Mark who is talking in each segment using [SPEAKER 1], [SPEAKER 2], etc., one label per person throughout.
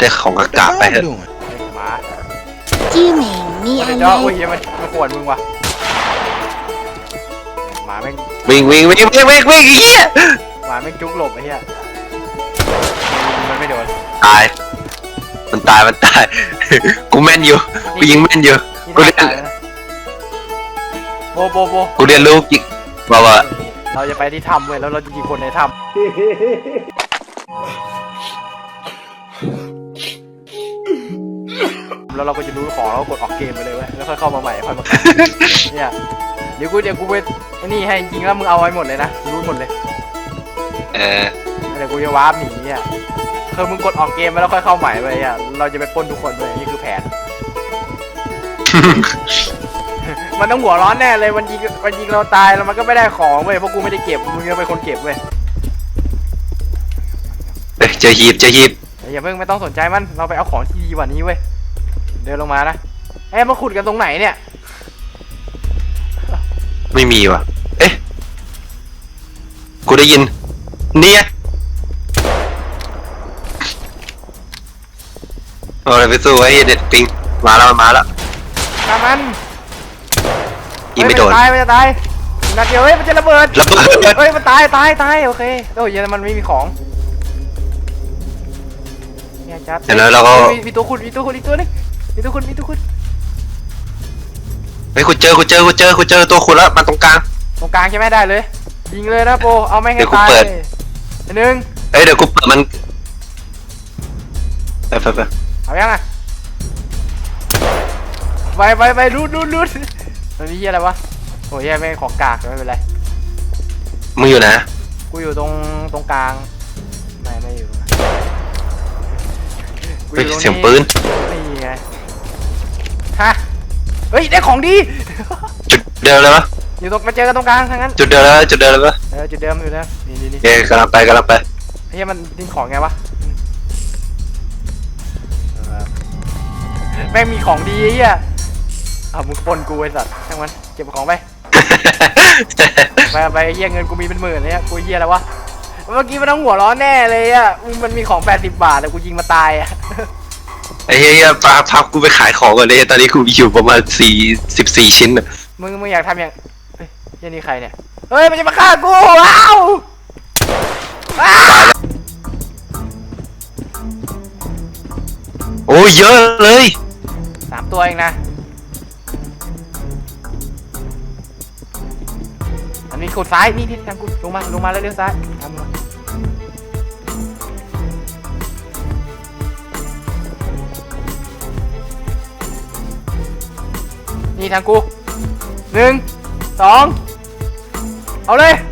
[SPEAKER 1] ได้ของกากๆไปเถอะ
[SPEAKER 2] หมา
[SPEAKER 3] ชื่อเหม่งมี
[SPEAKER 2] เดี๋
[SPEAKER 3] อะ
[SPEAKER 2] ยว
[SPEAKER 3] ไร
[SPEAKER 2] เดี๋ยวอุ้ยมันขวนมึงว่ะหมาแม่ง
[SPEAKER 1] วิ่งไอ้เหี้ย
[SPEAKER 2] หมาแม่งจุกหลบไอ้เหี้ยมันไม่โดน
[SPEAKER 1] ตายมันตาย กูแม่นอยู่กูยิงแม่นอยู่
[SPEAKER 2] นี่
[SPEAKER 1] กูเรียน
[SPEAKER 2] ตายแล้วนะโบ
[SPEAKER 1] กูเรียนรู้ยิงว่า
[SPEAKER 2] เราจะไปที่ถ้ำเว้ยแล้วเราจะยิงคนในถ้ำแล้วเราก็จะรู้ของแล้วกดออกเกมไปเลยเว้ยแล้วค่อยเข้ามาใหม่ค่อยมาเนี่ยเดี๋ยวกูไปไอ้นี่ให้จริงแล้วมึงเอาไว้หมดเลยนะรู้หมดเลย เดี๋ยวกูจะวาร์ปหนีอ่ะคือมึงกดออกเกมไปแล้วค่อยเข้าใหม่ไปอ่ะเราจะไปปล้นทุกคนเลยนี่คือแผน มันต้องหัวร้อนแน่เลยมันยิงเราตายแล้วมันก็ไม่ได้ของเว้ยเพราะกูไม่ได้เก็บมึงจะเป็นคนเก็บเว้ย
[SPEAKER 1] เจอหีบ
[SPEAKER 2] อย่าเพิ่งไม่ต้องสนใจมันเราไปเอาของที่ดีกว่านี้เว้ยเดินลงมานะเอ๊ะมาขุดกันตรงไหนเนี่ย
[SPEAKER 1] ไม่มีว่ะเอ๊ะกูได้ยินเนี่ยเอาอะไรไปสู้ไอ้เด็ดปิงมาแล้ว
[SPEAKER 2] ตามมัน
[SPEAKER 1] ยิงไม่โดน
[SPEAKER 2] มันจะตายนัดเดียวเฮ้ยมันจะระเบิด เฮ้ยมันตายโอเคโอ้ยมันไม่มีของเนี่ยจัด
[SPEAKER 1] เห็นแล้วเราก็
[SPEAKER 2] มีตัวคุณอีกตัวนึงมีตัวคุณ
[SPEAKER 1] เฮ้ยกูเจอตัวคุณแล้วมันตรงกลาง
[SPEAKER 2] ตรงกลางใช่ไหมได้เลยยิงเลยนะโปเอาแม่งให้
[SPEAKER 1] เดี๋ยวกู
[SPEAKER 2] ตาย
[SPEAKER 1] เปิด
[SPEAKER 2] หนึ่ง
[SPEAKER 1] เฮ้ยเดี๋ยวกูเปิดมันไป
[SPEAKER 2] เอายังอ่ะไปรูดมันมีเหี้ยอะไรวะโอ้ยแม่งของกากไม่เป็นไร
[SPEAKER 1] มึงอยู่นะ
[SPEAKER 2] กูอยู่ตรงกลางไม่อยู่กู
[SPEAKER 1] เฮ้ย
[SPEAKER 2] อยู่ตรง
[SPEAKER 1] เสียงปืน
[SPEAKER 2] นี่ไงฮะเฮ้ยได้ของดี
[SPEAKER 1] จุดเดิมเลยวะ
[SPEAKER 2] อยู่ตรงมาเจอกันตรงกลางทั้งนั้น
[SPEAKER 1] จุดเดิมแล้วจุดเดิมเลยวะ
[SPEAKER 2] จุดเดิมนี่
[SPEAKER 1] เฮ้ยกำลังไป
[SPEAKER 2] เฮ้ยมันดิ้นของไงวะแม่งมีของดีไอ้เหี้ยมึงปนกูไอ้สัตว์ช่างมันเก็บของไปไปเหี้ยเงินกูมีเป็นหมื่นเลยกูเหี้ยอะไรวะเมื่อกี้มันต้องหัวร้อนแน่เลยมันมีของ80 บาทแต่กูยิงมาตาย
[SPEAKER 1] ไอ้เหี้ยพากูไปขายของก่อนเลยตอนนี้กูอยู่ประมาณ14 ชิ้นน่ะ
[SPEAKER 2] มึงอยากทำอย่างเฮ้ยนี่ใครเนี่ยเฮ้ยมันจะมาฆ่ากูว้าว
[SPEAKER 1] โอ้ยเยอะเลย
[SPEAKER 2] 3 ตัวเองนะมันมีขุดซ้ายนี่ทางกูลงมาแล้วเลี้ยวซ้ายทำมานี่ทางกู1 2เอาเลย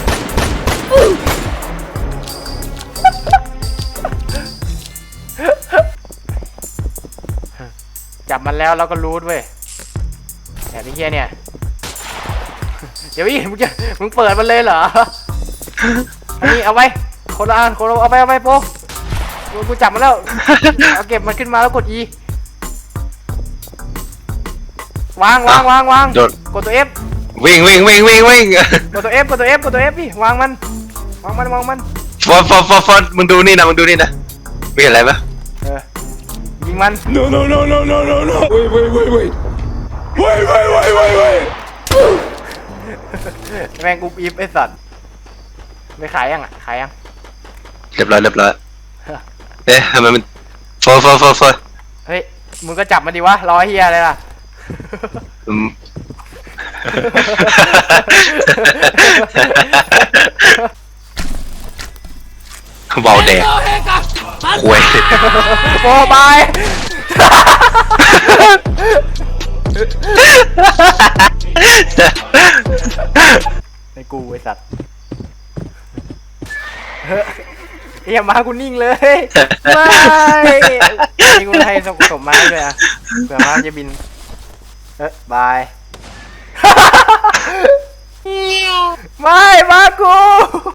[SPEAKER 2] จับมันแล้วเราก็รูทเว้ยแบบนี้เฮียเนี่ยเดี๋ยวมึงเปิดมันเลยเหรออันนี้เอาไว้คนละอันเอาไปโป๊ะกูจับมันแล้วเอาเก็บมันขึ้นมาแล้วกด E วางกดตัว F
[SPEAKER 1] วิ่ง
[SPEAKER 2] กดตัว F พี่วางมัน
[SPEAKER 1] ฟอนมึงดูนี่นะไม่เห็นอะไรปะ
[SPEAKER 2] ยิงมัน
[SPEAKER 4] No. Wait.
[SPEAKER 2] แม่งกูอีฟไอสัตว์ไม่ขายยัง
[SPEAKER 1] เรียบร้อยเอ๊ะทำไมมันฟอน
[SPEAKER 2] เฮ้ยมึงก็จับมันดิวะรอเฮียอะไรล่ะ
[SPEAKER 1] เบาแดงควย
[SPEAKER 2] โอ้บายไอ้กูไอ้สัตว์เฮียมากูนิ่งเลยไม่นี่กูให้สมมาด้วยอ่ะเผื่อมาจะบินบายไม่มากู